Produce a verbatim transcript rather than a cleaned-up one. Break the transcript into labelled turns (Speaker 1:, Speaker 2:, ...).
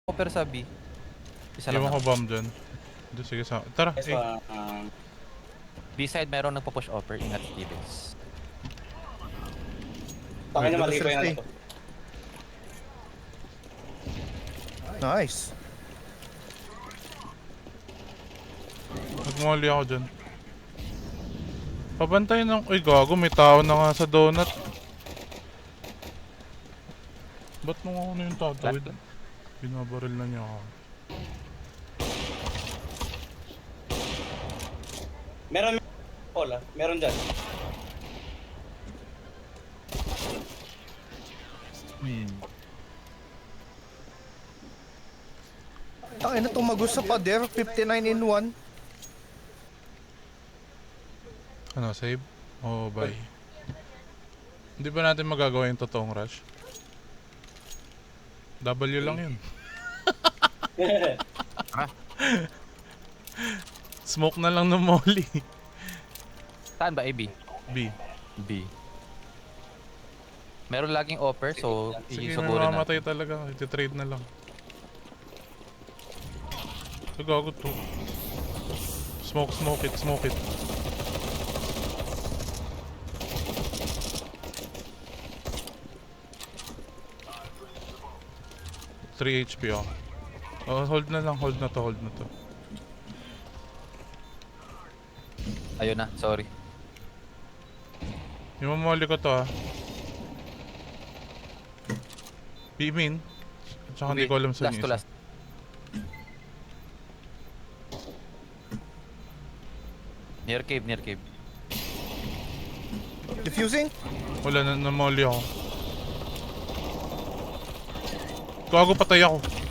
Speaker 1: Offer sa B. Isa lang
Speaker 2: Iwan ko
Speaker 1: naman.
Speaker 2: bomb dyan. Hindi, sige sa... Tara,
Speaker 3: Yes,
Speaker 2: eh.
Speaker 3: uh, um,
Speaker 1: B side meron nagpo-push offer. Ingat Stevens.
Speaker 3: Tangin na
Speaker 4: Wait,
Speaker 3: mali pa
Speaker 4: first
Speaker 3: yung ano
Speaker 4: day.
Speaker 3: to.
Speaker 4: Nice.
Speaker 2: Nagmali ako dyan. Pabantayin ng... Uy, gago. May tao na nga sa donut. Ba't mo ako na yung tatawid? Binabaril na niya ako.
Speaker 3: Meron, Paul, ah. Meron dyan.
Speaker 2: Hmm.
Speaker 4: Tangina, tumagos sa pader. fifty-nine in one.
Speaker 2: Ano, save? Oh, bye. Hindi ba natin magagawa yung totoong rush? W lang yun. Smoke na lang ng molly.
Speaker 1: Saan ba? A, B?
Speaker 2: B.
Speaker 1: B. Meron laging offer, so
Speaker 2: Sige,
Speaker 1: isugurin na.
Speaker 2: namamatay talaga. Iti-trade na lang. Gago to. Smoke, smoke it, smoke it. three H P oh. Oh, hold na lang, hold na to, hold na to.
Speaker 1: Ayun na, sorry.
Speaker 2: Yung mamali ko to ah. B-min. Tsaka hindi ko alam sa
Speaker 1: Last to last. Near cave, near cave.
Speaker 4: Diffusing.
Speaker 2: Wala na, namali ako. Gago, patay ako.